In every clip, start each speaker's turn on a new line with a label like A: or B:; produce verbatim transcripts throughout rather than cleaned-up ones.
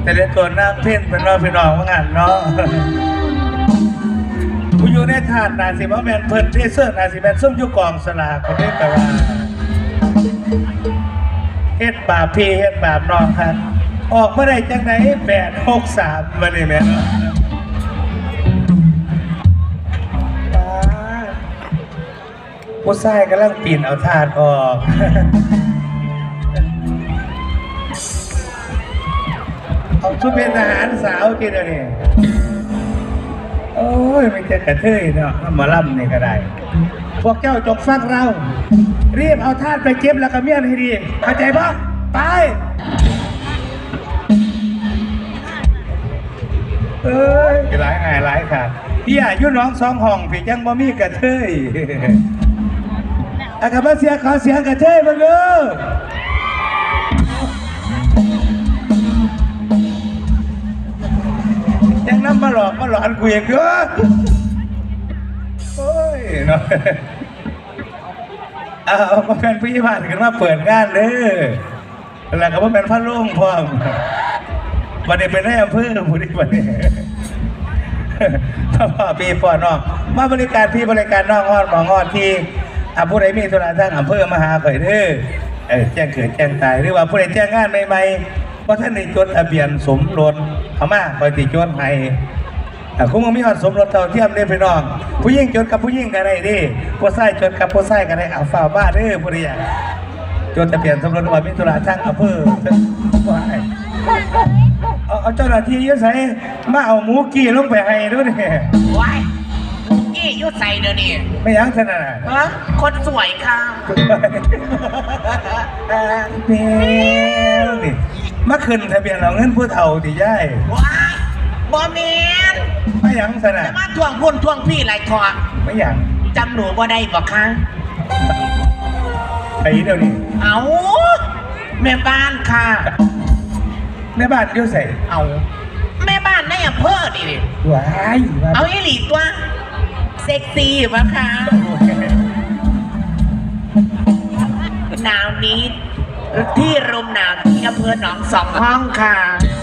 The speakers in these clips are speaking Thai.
A: แต่เล่นตัวน้ำเพ่นเป็นน้องพี่น้องว่างานเนาะกูอยู่ในถาดนาสิมาแมนเพิ่นเทเซอร์นาสิแมนส้มยุกองสลากคนนี้แปลว่าเฮ็ดบาปพี่เฮ็ดบาปน้องครับออกมาได้จังไหนแปดหกสามมาเนี่ยแม่ผู้ชายกำลังปีนเอาถาดออกเอาชุดเป็นทหารสาวกินอะไรโอ้ยไม่เจอกระเทยเนาะมาล่ำนี่ก็ได้พวกเจ้าจกฟังเรารีบเอาทาสไปเก็บแล้วก็เมียนให้ดีเข้าใจปะไปเอ้ยหลายไงหลายค่ะพี่อายุน้องสองห้องพี่ยังบ่มีกระเทยอากาศเสียขอเสียงกระเทยมาเลยยังน้ำมาหลอกมาหลอนกูอย่างเงี้ยโอ้ยเนาะเอามาเป็นพี่ผ่านกันมาเปิดงานเลยแล้วก็มาเป็นพระลุงพร้อมวันนี้เป็นนายอำเภอผู้นี้วันนี้พ่อพี่พ่อน้องมาบริการพี่บริการน้องงอดหมองอดที่อ่ะผู้ใดมีธุระทางอำเภอมาหาข่อยเด้อเออแจ้งเกิดแจ้งตายหรือว่าผู้ใดแจ้งงานใหม่ๆเพราะท่านในจดทะเบียนสมรสเขามาคอยติดจดให้คุณมึงมีหอดสมรสเท่าเทียมเด้อพี่น้องผู้หญิงจดกับผู้หญิงกันได้ดิผู้ชายจดกับผู้ชายกันได้เอาฝ่าบ้าเด้อผู้ใดจดทะเบียนสมรสว่ามีธุระทางอำเภอเอาเอาเจ้าหน้าที่ยืดใส่มาเอาหมูกี้ลงไปให้ด้วยเนี่ย
B: ว้ายหมูกี้ยืดใส่เดี๋ยวนี้
A: ไม่ยั้งขนาด
B: ฮะคนสวยค่ะ
A: เบลนี่มาขึ้นทะเบียนเอาเงินผู้เฒ่าที่ย่าย
B: ว้ายบอมเมน
A: ไม่ยั้งขนาด
B: จะมาทวงพุ่นทวงพี่ไรทอง
A: ไม่ยั้ง
B: จำหนูบ่ได้บอกค่ะ
A: ไอ้เดี๋ยวนี้
B: เอาแม่บ้านค่ะ
A: แม่บ้านเดี๋ยวใส่
B: เอาแม่บ้านในอำเภอดิ
A: ว้าย
B: เอาอีหลีตัวเซ็กซี่ปะคะหนาวนี้ที่ลมหนาวที่อำเภอหนองสองห้องค่ะ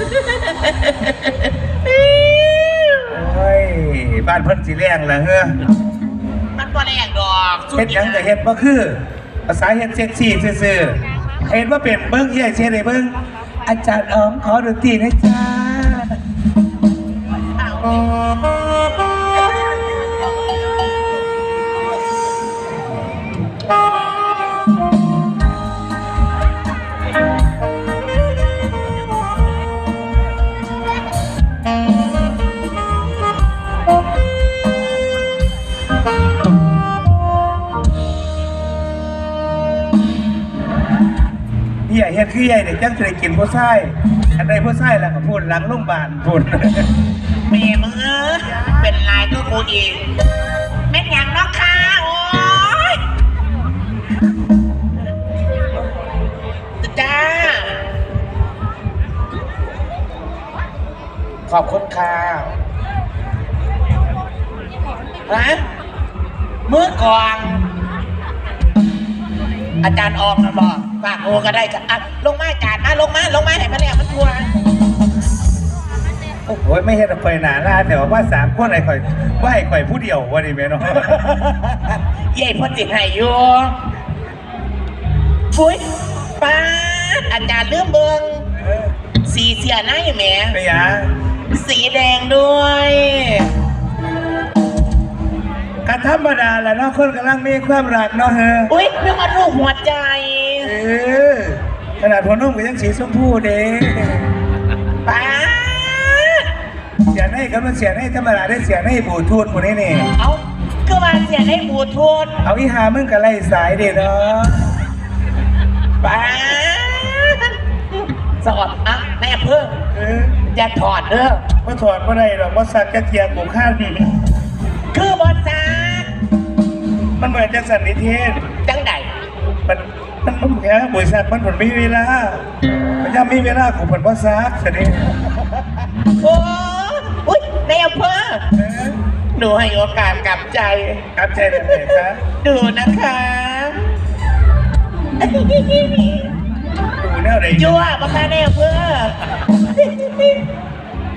A: โอ้ยบ้านเพิ่นสีแรงเหรอเฮ้อ
B: มันบ่แรงดอก
A: เฮ็ดยังแต่เฮ็ดบ่คือภาษาเฮ็ดเซ็กซี่ซื่อๆเฮ็ดว่าเป็นเบิ้งเฮียเชียร์ได้เบิ้งอาจารย์อ๋อมขอดนตรีนะจ๊ะเฮียเฮ็ดคือใหญ่เด็กจังจะได้กินผู้ชายอันใดผู้ชายแล้วก็พูดหลังโรงพยาบาลพูด
B: เมย์มึงเออเป็นลายก็กูอีกแม่นยังนอกค่ะโอ้ยจ้าขอบคุณค่ะฮะมือกองอาจารย์ออกนะบอกฝากโอก็ได้กันอ่ะลงมาอาจารย์มาลงมาลงมาให้มันแล้วมันกลัว
A: โอ้โหไม่เห็นไปหนาหน้าแต่ว่าสามคนไหนข่อยว่าให้ข่อยผู้เดียววันนี้แม่น้อง
B: ใหญ่พอติดให้อยู่ฟุ้ยป้าอาจารย์เลื่อมเบิงสีเสียหน้าอยู่แม่
A: ไม่ยา
B: สีแดงด้วย
A: กธรรมดาแหละเนาะคนกำลังมีความรักเนาะเฮ้
B: อุ้ยเรื่องมันรูปหัวใจ
A: เออขนาดหัวนุ่มก็ยังสีชมพูเด้
B: ป้า
A: เสียให้ก็มันเสียให้ธรรมดาได้เสียให้บูทูธคนนี้นี่
B: เอาก็มาเสียให้บูทูธ
A: เอาอีหามึงกับไล่สายเด็ดเนาะ
B: ป้าสอดอ่ะแม่เพิ่งอย่าถอดเด้อ
A: ไม่ถอดไม่ได้หรอกว่าสักกระเทียมกูข้า
B: คือบอสซา
A: มันเหมือนจะสันนิเทศ
B: จังใด
A: มันมันมันแค่บริษัทมันผลมีเวลามันยังมีเวลาของผลบอสซาสินี่
B: โอ้อุ๊ยในอำเภอหนูให้โอกาสกลับใจ
A: กลับใจเลยครับ
B: ดูนะคะ
A: ดูแนวไหน
B: ยั่วมาค่ะในอำเภอ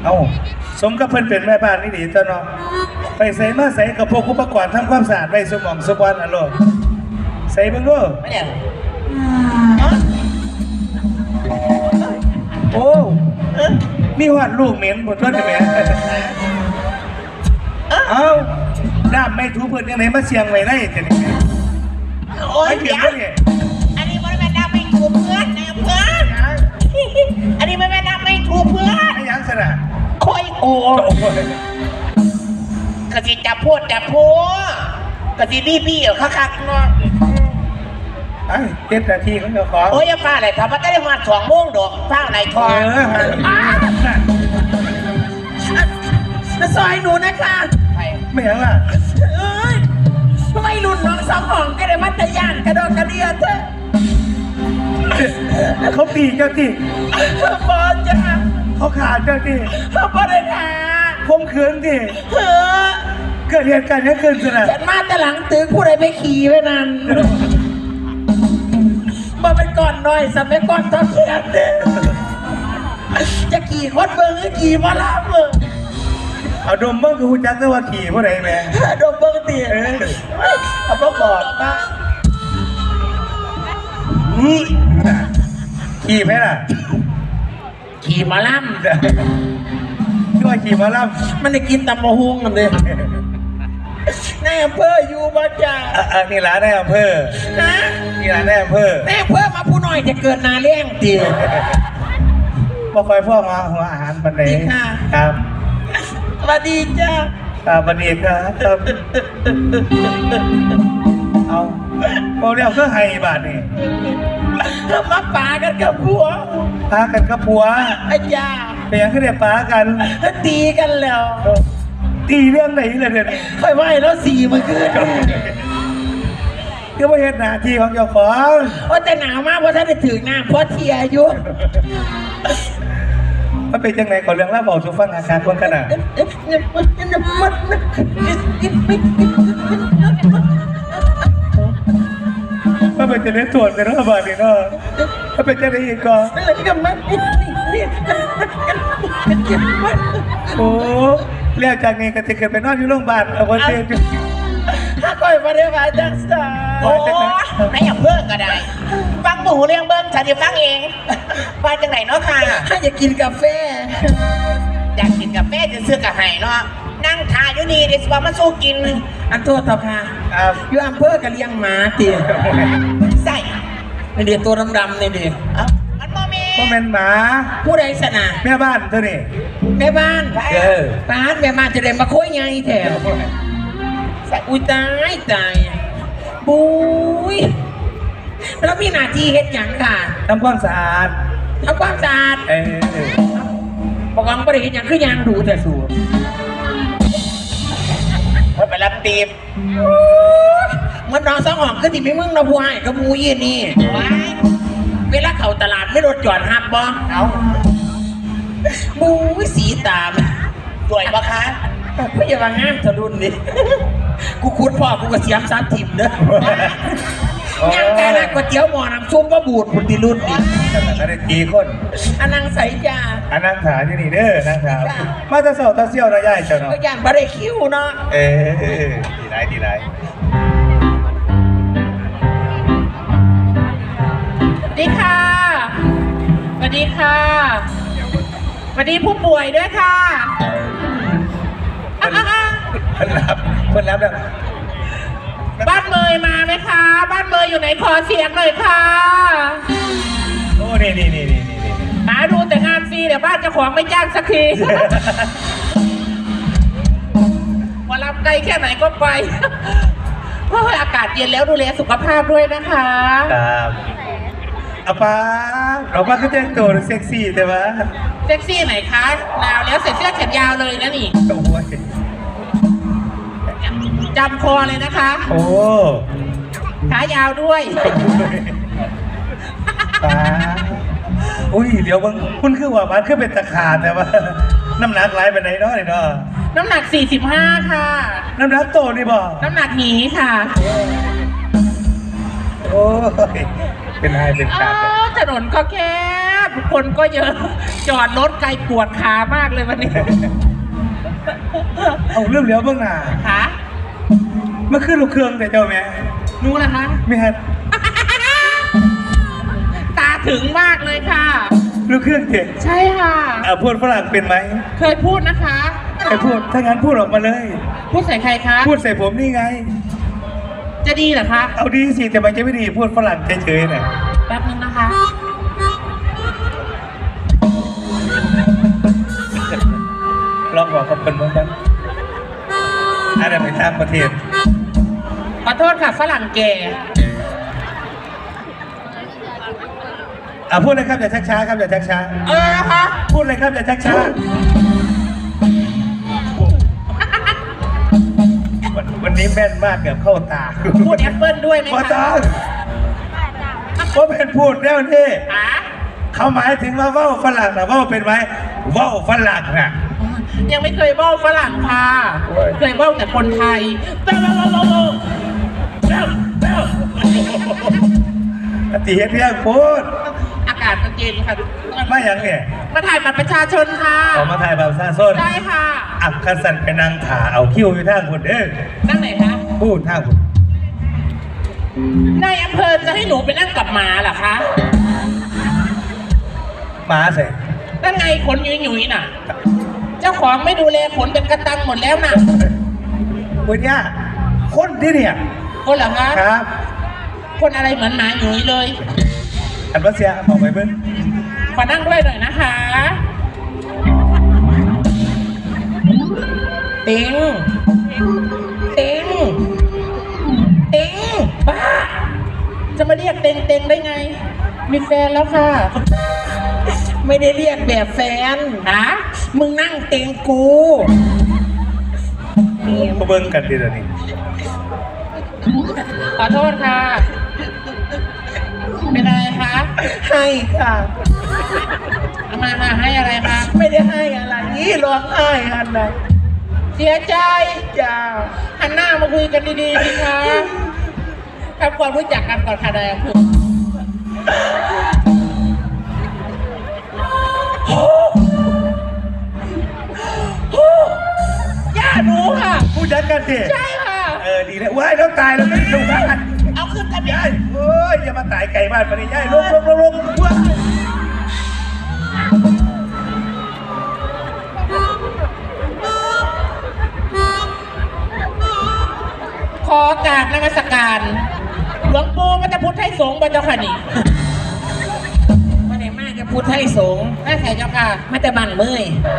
A: เอาสมกับเพิ่นเป็นแม่บ้านนี่ดีตัวเนาะไปใส่มาใส่กับพวกอุปกรณ์ทำความสะอาดไว้สมองสมบัติอ่ะโลกใส่เบิ่งดู
B: ไม่เนี่ย
A: โอ้มีหอดลูกเหม็นบ่ตัวนี่แหม่เอ้าน้ำไม่ถูเพิ่นจังไดมาเสียงไว้ได้จังนี่
B: โอ้ย
A: ไม่เถี
B: เดี๋
A: ย
B: ย
A: ง
B: ว
A: บ่นี่
B: อันนี้มันไม่ได้ไม่ถูกเพื่อนนะเพื่อนอันนี้มันไม่ได้ไม่ถูกเพื่อน
A: ไอ้หยังซะน่ะ
B: คอยโอ้
A: โอ้ย
B: กะสิจับพูดจับพูดกะสิบี้บี้เอาคักๆเนาะ
A: ไอ้เจ็ดนาทีของเจ้าของ
B: โอ้ยอย่าฟ้าอะไรครับมันได้มาสองโมงดอกฟ้าอะไรท
A: เอ
B: อง
A: อฮะ
C: ซอยหนูนะคะ
A: ไม่หยังล่ะ
C: เอ้ยทำไมรุ่นน้องสองห้องก็ได้มัตยานกระโดดกระเดียเถอะ
A: เขาตีเจ้าที่
C: บอจ้า
A: เขาขาดเจ้าที่
C: บอได้ทา
A: คมขืนที่
C: เออ
A: เกิดเหตุการณ์นี้ขึ้นซะน่ะ
C: ฉันมาแต่หลังตึกผู้ใดไปขี่ไว้นั่นบอเป็นก่อนหน่อยสมัยก่อนตอนเขียนเด้จะขี่คดเบิ้งหรือขี่มาลาเบิ้ง
A: เอาดมเบิ่งคือฮู้จักแต่ว่าขี่ผู้ใดแหม่
C: โดนเบิ้งตี
A: เออ
C: เอาบอกบอกมา
A: อื้อขี่ไหมล่ะ
C: ขี่มาล่
A: ช่วยขี่หมาล่
C: ำมันได้กินตำมะฮุงกันเลย
A: ำ
C: ในอำเภออยู่บ้านจ้า
A: อ่ะอ่ะนี่ร้านในอำเภอ
C: ฮะ
A: นี่ร้านในอำเภอ
C: ในอำเภอมาผู้น้อยจะเกินนาเลี้ยงตี
A: บ่ค่อยพ่อมาหัวอาหารปันใด
C: ดีค่ะ
A: ครับ
C: สวัสดีจ้า
A: ครับวันนี้ครับครับเอาโมเดลก็ให้บาทนี่
C: มาป่ากันกับผัว
A: พากันกับผัว
C: อาจา
A: เป็นหยังก็ได้ปากัน
C: ตีกันแล้ว
A: ตีเรื่องไหนเลยเดี๋ยวนี้
C: ค่อยไหวแล้วสี่เมื่อคืน
A: ก็ไม่เห็นหน้าที่ของเจ้าของ
C: ว่าแต่หนาวมากเพราะท่านได้ถือน้ำเพราะเทียอายุ
A: มันเป็นจังไหนก่อนเรื่องเล่าบอกสุฟังอาการคนขนาดมันเป็นจะได้ตรวจในรัฐบาลนี่เนาะมันเป็นจะได้อีกก่อนโอ้เรียกจากนี้ก็จะเกิดไปนอนอยู่โรงพยาบาลเอาคนเดียว
C: ถ้าค่อยมาได้มาจังสา
B: โอ้ไม่อยากเพิ่งก็ได้ ฟังหมูเรื่องเบิ้งฉันจะฟังเองว่าจังไหนเนาะค่ะ
C: ถ้าอยากกินกาแฟ
B: อยากกินกาแฟจะซื้อกาไห้เนาะนั่งทาอยู่นี่เดี๋ยวสิว่ามาสู้กิน
C: อันโทษต่อค่ะ
A: ครับ
C: อยู่อำเภอกันเลี้ยงหมาตี
B: ใส่
C: ในเดียตัวดำๆในเดีย
B: เอ้ามันโมเม
A: พ่อแม่นหมา
C: ผู้ใดสนะ
A: แม่บ้านเท่านี้
C: แม่บ้าน
A: เออ
C: ป้าดแม่บ้านจะได้มาคุยไงแถวอุ้ยตายตายบุ้ยแล้วมีหน้าที่เฮ็ดหยังค่ะ
A: ทำความสะอาด
C: ทำความสะอาด
A: เออ
C: บอกว่าไม่ได้เฮ็ดหยังคือยางดูแต่สูตร
B: มันไปรับตีบ
C: มันน้องสองหอมคือที่ไม่มึงเราผู้ให้กับมูยี่นี่
B: ว้าย
C: เวลาเข้าตลาดไม่รถจอดหับบ่
B: เอา
C: บุ้ยสีตาม
B: สวยปะคะ
C: ไม่อย่ามางามทะลุนนี่กูคุดพ่อกูก็เสียมสามถิ่มเด้อยังแต่ละก๋วยเตี๋ยวหม้อน้ำซุปก็บูดผุนติรุ่นนี่
A: แต่ก็ได้กี่คน
C: อันนังใสจ้า
A: อันนั่งขาอยู่นี่เด้อนั่งขามาตะเสาตะเซี่ยวนะยายเจ้าเนาะ
C: ก็ย่านบะได้คิ้วเนาะ
A: เออดีไรดีไร
C: สวัสดีค่ะสวัสดีค่ะสวัสดีผู้ป่วยด้วยค่ะ
A: เพิ่นรับเพิ่นรับแล้ว
C: บ้านเมยมาไหมคะ บ้านเมยอยู่ไหนขอเสียงหน่อยค่ะ
A: โอ้นี่นี่นี่นี่นี่นี่
C: หาดูแต่งานฟรีเดี๋ยวบ้านเจ้าของไม่จ้างสักทีมารับไกลแค่ไหนก็ไปเพราะว่าอากาศเย็นแล้วดูแลสุขภาพด้วยนะคะ
A: ครับอาป้าเราป้าก็แต่งตัวเซ็กซี่แต่ว่า
C: เซ็กซี่ไหนคะหนาวแล้วใส่เสื้อแขนยาวเลยนะนี่
A: โอ้ย
C: จำคอเลยนะคะ
A: โอ้
C: ขายาวด้วย
A: ป้าอุ้ยเดี๋ยวมึงคุณคือว่ามันคือเป็นตะขาดแต่ว่า น้ำหนักไหลไปไหนเนาะนี่เนาะ
C: น้ำหนักสี่สิบห้าค่ะ
A: น้ำหนักโตนี่บ่
C: น้ำหนักหนีค่ะ
A: โอ้ยเป็นไงเป็น
C: อ๋
A: ขาด
C: อถนนก็แคบคนก็เยอะ จอดรถไกลปวดขามากเลยวันนี้
A: เอาเรื่องเลี้ยวเบื้องหน้า
C: ขา
A: เมื่อคืนลูกเครื่องแต่เจ้าแม่
C: นู้นนะคะ
A: ไม่ฮัด
C: ตาถึงมากเลยค่ะ
A: ลูกเครื่องเจ็ด
C: ใช่ค่ะ
A: อ่าพูดฝรั่งเป็นไหม
C: เคยพูดนะคะ
A: ใครพูดถ้างั้นพูดออกมาเลย
C: พูดใส่ใครคะ
A: พูดใส่ผมนี่ไง
C: จะดีเหรอคะ
A: เอาดีสิแต่มันจะไม่ดีพูดฝรั่งเฉยๆน่ะ
C: แป๊บนึงนะคะ
A: ลองบอกกับคนบ้างบ้างอะไรไปตามประเทศ
C: ขอโทษค่ะฝรั่งแก่
A: อ่าพูดเลยครับอย่าชักช้าครับอย่าชักช้า
C: เออนะคะ
A: พูดเลยครับอย่าชักช้าวันวันนี้แม่นมากเกือบเข้าตา
C: พูดแอปเปิลด้วยไหม
A: พอ
C: คะ
A: ต้องผมเป็นพูดแล้วนี่
C: ขา
A: เขาหมายถึงว่าว่าวฝรั่งนะว่าวเป็นไหมว่าวฝรั่งน่ะ
C: ยังไม่เคยเบ้าฝรั่งค่ะ เคยเบ้าแต่คนไทยเบ้าเบ้าเบ้าเบ้าเบ้าเบ้าเบ้า
A: ตีเฮ็ดเรื่องพูด
C: อากาศมันเย็นค่ะ
A: ไม่อย่างเนี่ย
C: มาถ่ายบัตรประชาชนค่ะ
A: ออกมาถ่ายแบบซาส้น
C: ได้ค่ะ
A: อับคันสันไปนั่งขาเอาคิ้วอยู่ทางคนเด้อ
C: นั่งไหนคะ
A: พูดทางคน
C: ในอำเภอจะให้หนูไปนั่งกับหมาเหรอคะ
A: หมาเสร็จ
C: นั่นไงขนหยุยๆน่ะ เจ้าของไม่ดูแลขนเป็นกระตังหมดแล้วน่ะ
A: วันนี้คนที่เนี่ย
C: คนเหรอคะ
A: ครับ
C: คนอะไรเหมือนหมาหยุยเลย
A: อันว่าเสียบอกไปเบิ้ง
C: ขอนั่งด้วยหน่อยนะคะติงติงติงบ้า จะมาเรียกเต็งเต็งได้ไง มีแฟนแล้วค่ะ ไม่ได้เรียกแบบแฟนฮะมึงนั่งเต็งกู
A: มาเบิ้งกันดีแล้วนี่
C: ขอโทษค่ะ เป็นอะไรคะ
D: ให้ค่ะ
C: เอามาค่ะให้อะไรคะ
D: ไม่ได้ให้อะไรนี่ร้องไห้อันนะ
C: เสียใจ
D: จ้า
C: หันหน้ามาคุยกันดีๆสิคะทำความรู้จักกันก่อนค่ะนายอำเภอย่าหนูค่ะ
A: ผู้จัดกันสิ
C: ใช่ค่ะ
A: เออดีแล้วว้ายแล้วตายแล้วไม่ถูกบ้าน
C: เอาขึ้นทะเบีย
A: ยาย
C: น
A: โอ้ยอย่ามาตายไก่บ้านมาดิยายลงลงลงลงว้าย
C: ขอกราบนมัสการ หลวงปู่มัตพุทธให้สงฆ์บรรเจ้าค่ะนี่
D: มาไหนมากจะพูดให้สงฆ์
C: แม่ใส่เจ้าค่ะ
D: มาแต่บันเมื่อย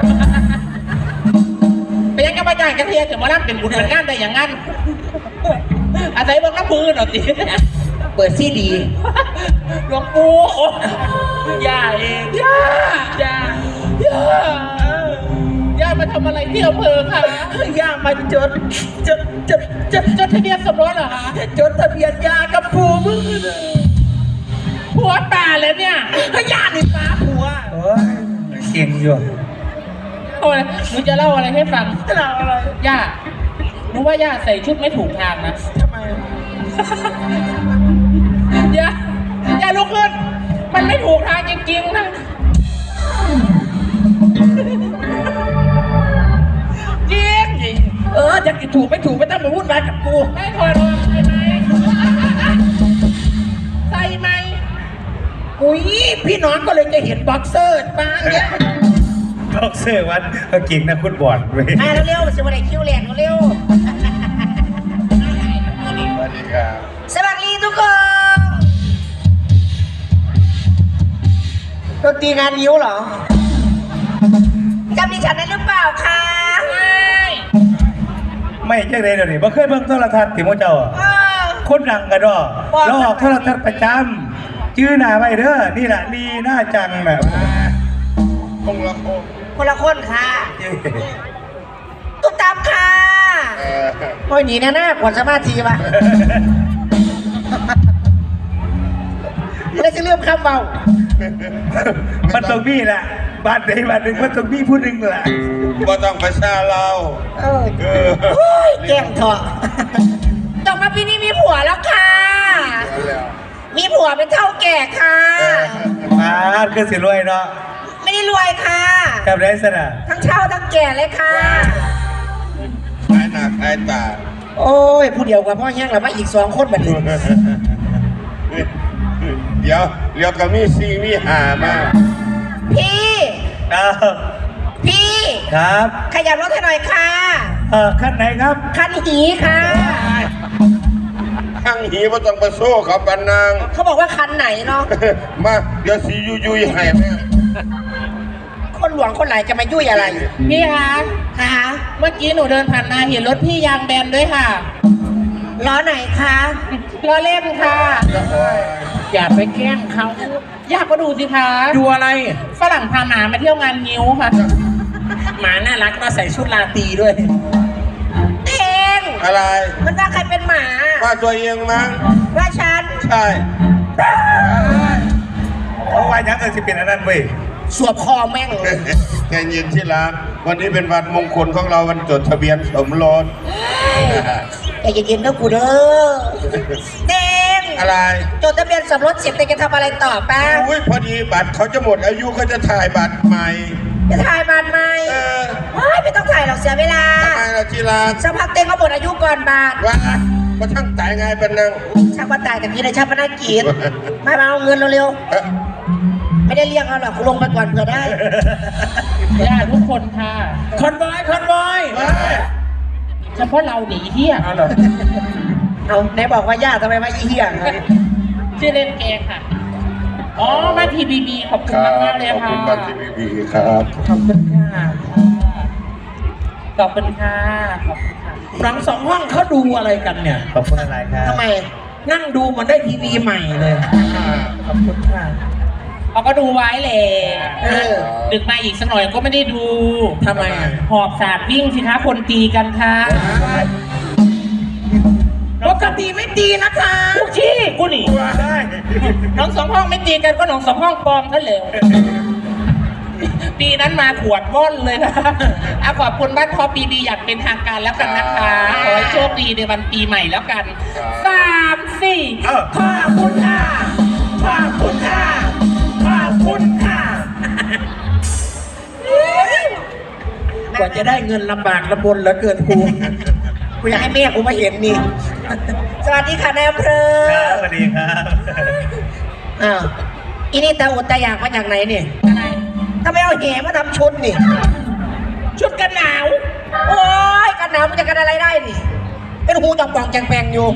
C: เป็นยังไงบ้างกันเทียถึงมารับเป็นบุญเป็นงานได้อย่างนั้นอาศัยเบางน้ำมือหน่อยสิ
D: เปิดซีดี
C: หลวงปู่โอ้ย่าเองย่าย่าย่าย่ามาทำอะไรที่อำเภอคะ
D: ย่ามาจดจดจดจด
C: จดทะเบียนสมรสเหรอคะ
D: จดทะเบียนยากับผัวมึง
C: ผัวป่าแล้วเนี่ย
D: ย่านี่ป้าผัว
A: โอ้ยเก่งอยู่
C: เอาอะไรหนูจะเล่าอะไรให้ฟัง
D: เราอะไร
C: ย่าหนูว่าย่าใส่ชุดไม่ถูกทางนะ
D: ทำไม
C: ย่าย่าลุกขึ้น มันไม่ถูกทางจริงๆนะจริงจริง
D: เออจะกินถูกไม่ถูกไม่ต้องมาวุ่นวายกับกู
C: ไม่ถอดออกใส่ไหมใส่ไหม
D: อุ้ยพี่น้องก็เลยจะเห็นบ็อกเซอร์มาเนี่ย
A: บ็อกเซอร์วันก็เก่งนะคุณบอลเว้ย
D: มาเร็วๆสิวันไหนคิวแลนด์เร็ว
A: สวัสดีครับ
D: สวัสดีทุกคนดนตรีงานยิ้วเหรอจำดิฉันได้หรือเปล่าคะ
A: ไม่ใช่เลยเดี๋ยวนี้บ่เคยเบิ่งโทรทัศน์ที่โมเจ้าอะ
D: เออ
A: คนดังกระดอแล้วออกโทรทัศน์ประจำชื่อหน้าไว้เด้อนี่แหละลีหน้าจังแบบคงละคง
D: คนละคนค่ะตุ๊กตามค่ะโอ้ยหนีแน่ๆกว่าสมาธิป่ะแล้วจะเริ่มคำเบา
A: มันต้องมีแหละบ้านใดบ้านหนึ่งมันต้องมีผู้หนึ่งแหละ
E: ก็ต้องประชาเรา
D: เออ
E: เออ
D: โอ้ยแกล้งเถอะจบมาปีนี้มีผัวแล้วค่ะ
E: แล้ว
D: มีผัวเป็นเท่าแก่ค่ะ
E: เออ
A: มาคือสิรวยเนาะ
D: ไม่ได้รวยค่ะ
A: กับได้สนะ
D: ทั้งเช่าทั้งแก่เลยค่ะ
E: ขายหน้าขายตา
C: โอ้ยผู้เดียวกับพ่อแห้งแล้วมาอีกสองคนแบบนี้
E: เดี๋ยวเรียวก็มีซีมีหามา
D: พี่
A: ครับ
D: พี่
A: ครับ
D: ขยับรถให้หน่อยค่ะ
A: เออขั้นไหนครับ
D: คันหีค่ะ
E: ข้างหีว่าต้องไปโซ่เขาปันนาง
D: เขาบอกว่าคันไหนเนาะ
E: มาเดี๋ยวสียุยยุยให้แม่
D: คนหลวงคนไหนจะมายุ่ยอะไร
C: พี่คะ
D: คะ
C: เมื่อกี้หนูเดินผ่านมาเห็นรถพี่ยางแบนด้วยค่ะ
D: ล้อไหนคะ
C: ล้อเล่นค่ะ อย่าไปแกล้งเขาอยากก็ดูสิคะดูอะไรฝรั่งพาหมามาเที่ยวงานงิ้วค่ะหมาน่ารักก็ใส่ชุดลาตรีด้วย
D: เอง
E: อะไร
D: มันว่าใครเป็นหมา
E: ว่าตัวเองมั้ง
D: ว่าฉัน
E: ใช่
A: เพราะว่ายังเกิดสิเป็นอันนั้นเว้ย
D: สวบคอแม่งเลย
E: ใจเย็นที่รักวันนี้เป็นวันมงคลของเราวันจดทะเบียนสมรส
D: ใจเย็นๆนะกูเด้อเด้ง
E: อะไร
D: จดทะเบียนสมรสเสร็จเต็งจะทำอะไรต่อป้า
E: อุ้ยพอดีบัตรเขาจะหมดอายุเขาจะถ่ายบัตรใหม่
D: จะถ่ายบานไหม
E: เออ
D: เฮ้ยไม่ต้องถ่ายหรอกเสียเวลา
E: ทำไมล่ะที่รัก
D: สักพักเต็งก็หมดอายุก่อนบาท
E: ว่ามาทั้งตายไงเป็นนาง
D: ช่างว่าตายแต่พี่ได้ชาปนกิจมามาเอาเงินเร็ว
E: เอ๊ะ
D: ๆไม่ได้เรียกเอาหรอกกูลงไปก่อนเผื่อได้
C: ญาติทุกคนค่ะคอนบอยคอนบอยเฉพาะเราหนีเที่ยเอาเหรอ
D: เอาไหนบอกว่าญาติทำไมมาอีเหี้ยง
C: ชื่อเล่นแกค่ะ อ๋อมาทีบีบีขอบคุณมากมากๆเลย
E: ขอบ
C: ค่ะ
E: คุณบัตรทีวีครับ
C: ขอบคุณค่ะขอบคุณค่ะขอบคุณค่ะหลังสองห้องเขาดูอะไรกันเนี่ย
A: ขอบคุณอะไรครับ
D: ทำไม
C: นั่งดูมันได้ทีวีใหม่เลยขอบคุณค่ะเขาก็ดูไว้แหละ
D: เออ
C: ดึกมาอีกสักหน่อยก็ไม่ได้ดูทำไมหอบสาดวิ่งสิคะคนตีกันค่ะปกติไม่ตีนะคะทุกที่กูหนี
A: ได้
C: น้องสองห้องไม่ตีกันก็น้องสองห้องปลอมท่านเลวปีนั้นมาขวดว่อนเลยนะอ่ะขอบคุณบ้านพอปีดีอยากเป็นทางการแล้วกันนะคะขอให้โชคดีในวันปีใหม่แล้วกันสามสี่
A: เออ
C: ขอบคุณค่ะขอบคุณค่ะขอบคุณค่ะกว่าจะได้เงินลำบากลำบนเหลือเกินกู
D: กูอยากให้แม่กูมาเห็นนี่ สวัสดีค่ะนายอำเภอ
A: ครับสวัสดีครับ
D: อ้าวอีนี่ตาอดตาอยากมาจากไหนนี่
C: อะไร
D: ทำไมเอาแหมาทำชุดนี่
C: ชุดกันหนาว
D: โอ้ยกันหนาวมันจะกันอะไรได้นี่ เป็นหูจองปองแจงแปงอยู่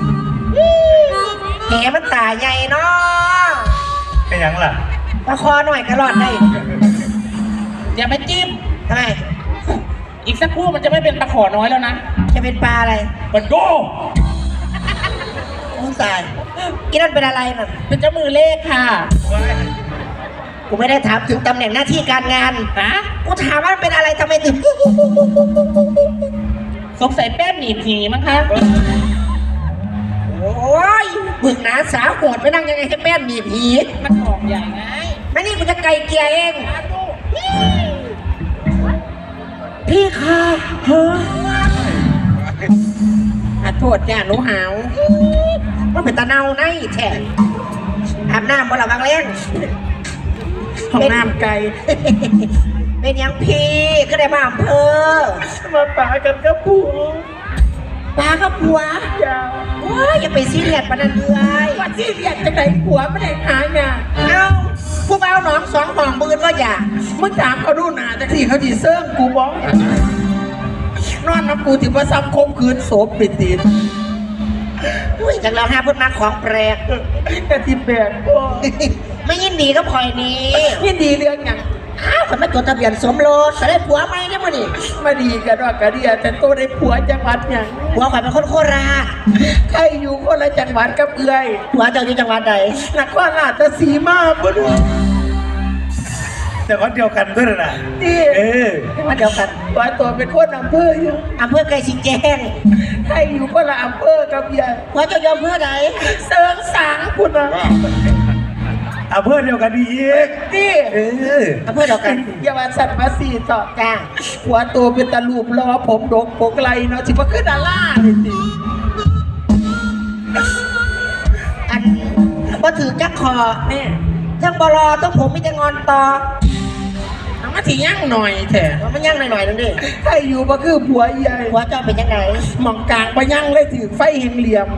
D: แหมันตาใหญ่เนาะ
A: เป็นยังล่ะ
D: มาคอหน่อยกระรอดได้
C: อย่าไปจิ้ม
D: ทำไม
C: อีกสักครู่มันจะไม่เป็นตะขอน้อยแล้วนะ
D: จะเป็นปลาอะไร
C: มันโก้
D: โอ้ตายอีนั่นเป็นอะไรน่ะ
C: เป็นเจ้ามือเลขค่ะ
D: กูไม่ได้ถามถึงตำแหน่งหน้าที่การงาน
C: ฮะ
D: กูถามว่ามันเป็นอะไรทำไมถึง
C: สงสัยแป้นหนีบหนีมั้งคะ
D: โอ้ยบึกหนาสาวโหดไปนั่งยังไงให้แป้นหนีบหี
C: มันหอกใหญ่ไง
D: ไม่นี่กูจะไกลเกลียเอง พี่ค่ะเฮ้ยขอโทษจ้าหนูหาวมันเป็นตาเนาในแท้อาบน้ำบนหลังเล่น
C: ห้องน้ำไกล
D: เป็นยังพี่ก็ได้มาอำเภอ
C: มาป่ากันกับผัว
D: ปลากับผัว
C: ยาว
D: โอ้ยอย่าไปซีเรียสปานนั้นเลย
C: ว่าที่เรียกจะไหนผัวไม่ได้หาไง
D: เอาผู้เบาหนองสองห้องบืนว่าอย่า
C: มึงถามเขาดูหนาจากที่เขาดีเซิร์งกูบอกนอนน้ำกูถือว่าซ้ำคมคืนโสมปิดตีน
D: อุ้ยจากเราห้าพูดมาของแปลก
C: แต่ที่แปลกก็
D: ไม่ยินดีก็พลอยนี้
C: ยินดีเรื่องอย่าง
D: อ้าวคนมาจดทะเบียนสมรสจะได้ผัวไหมเนี่ยมันนี่
C: มาดีกันว่ากะเดียแต่โตได้ผัวจังหวัดอย่าง
D: ผัวข่อยเป็นคนโคราช
C: ใครอยู่คนละจังหวัดกับเอื้อย
D: ผัวเจ้าอยู่จังหวัดใด
C: นครราชสีมาบุญ
A: แต่คนเดียวกันด้วยนะ
C: นี่
A: เออ
D: มาเดียวกัน
C: ว่าตัวเป็นคนอำเภออยู่
D: อำเภอไกลสิแจ้ง
C: ใครอยู่คนละอำเภอกับยาย
D: ผัวเจ้าอยู่อำเภอใด
C: เสิงสางคุณนะ
A: เอาเพื่อนเดียวกันดีอีก
C: นี่
A: เออ
D: อำเภอเดียวกัน
C: อย่ามาสัตว์มาสีต่อ
D: จ้า
C: หัวตัวเป็นตะลูปล้อผมดกโปกไหลเนาะสิว่าขึ้นดาล่าเลยสิ
D: อันว่าถือจักคอ
C: แม่
D: ทั้งบลอทั้งผมมีแต่งอนต่อ
C: เอามาถี่ยั่งหน่อยแท้
D: มันมันย่างหน่อยๆนึงดิ
C: ใครอยู่บ่คือผัวใหญ่
D: หัวเจ้าเป็นยังไง
C: หมองกลางไปยั่งเลยถือไฟแห่งเหลี่ยม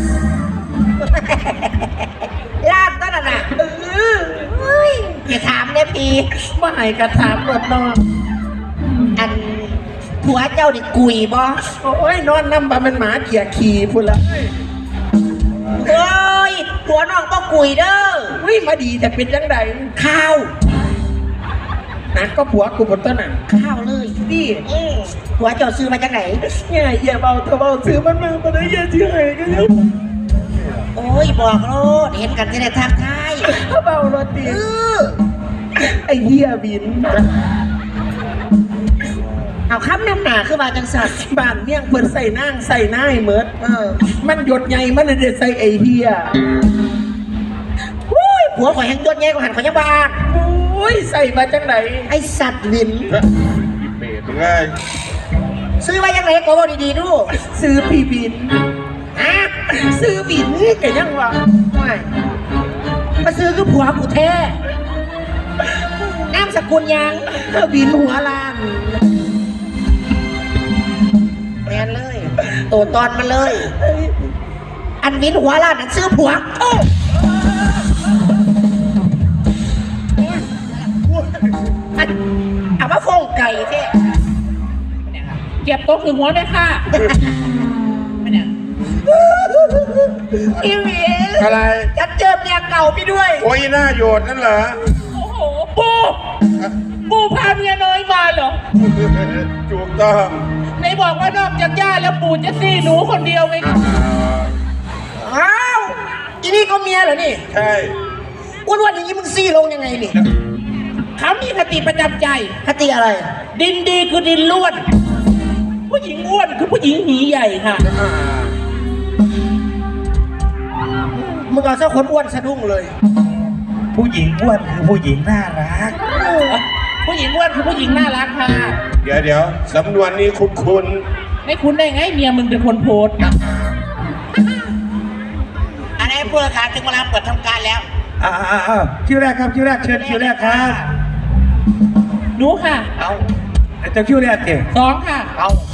D: ลาดต้นน่ะเออเฮ้ยอย่าถามเนี่ยพี่
C: มาให้กระถามรถนอน
D: อันผัวเจ้าดิกุยบ่
C: โอ้ยนอนน้ำบาเป็นหมาเขี่ยขี่พุ่นละ
D: เฮ้ยผัวน้องก็กุยเด้อ
C: วิ่มาดีแต่เป็นจังใด
D: ข้าว
C: นะก็ผัวกูบนต้นน่ะ
D: ข้าวเลย
C: นี่
D: อืมผัวเจ้าซื้อมาจากไหน
C: เนี่ยอย่าเบาเธอเบาซื้อมันมามันได้เยอะที่ไหนกันเนี่ย
D: โอ้ยบอกโลดเห็นกันที่ไหนทักทาย
C: ถ้าเบารถตี
D: เออ
C: ไอ้เหี้ยบิน
D: เอาคำนำหนาคือมาจังสัตว์
C: บ้านเมี่ยงเพิ่นใส่นั่งใส่หน้าให้เมิด
D: เออ
C: มันหยดใหญ่มันเลยได้ใส่ไอ้เหี้ย
D: อุ้ยผัวข่อยแห่งยศแย่กว่าหันข่อยยังบ้า
C: โอ้ยใส่มาจังไหน
D: ไอสัตว์วิน
E: เปรตง่าย
D: ซื้อมายังไงก็บอกดีๆดู
C: ซื้อพี่บิน
D: ฮะ
C: ซื้อบินก็ยังว่า
D: ไม่มาซื้อคือผัวกูแท้นามสกุลยัง
C: เธอบินหัวล้าน
D: แมนเลย ตัวตอนมันเลย อันวินหัวล้านนั่นซื้อผัวโอ้อันเอามาฟงไก่เท่
C: เก็บโต๊ะคือหัวได้ค่ะ
D: อีวิน
E: อะไร
D: จะเจอเมียเก่าพี่ด้วย
E: โอ้ยหน้าโยดนั่นเหรอ
C: โอ้โหปูปูพาเมียน้อยมาเหรอ
E: ถูกต้อง
C: ไหนบอกว่านอกจากย่าแล้วปู่จะซี่หนูคนเดียวไง
E: อ่า
D: อ้าวอีนี่ก็เมียเหรอนี่
E: ใช่
D: อ้วนๆอย่างนี้มึงซี่ลงยังไงนี่
C: เขามีคติประจำใจ
D: คติอะไร
C: ดินดีคือดินล้วน ผู้หญิงอ้วนคือผู้หญิงหีใหญ่ค่ะ
E: อ่า
D: มึงเอาเจ้าคนอ้วนสะดุ้งเลย
A: ผู้หญิงอ้วนคือผู้หญิงน่ารัก
C: ผู้หญิงอ้วนคือผู้หญิงน่ารักค่ะ
E: เดี๋ยวเดี๋ยวสำนวนนี้คุ้นคุ้น
C: ไม่คุ้นได้ไงเมียมึงเป็นคนโพสต์
B: อันนี้ผู้ราคาถึงเวลาเปิดทำการแล้ว
A: อ่าอ่าอ่าคิวแรกครับคิวแรกเชิญคิวแรกครับ
C: หนูค่ะ
B: เอา
A: เจะคิวแรกเก่ง
C: สองค่ะ
B: เอา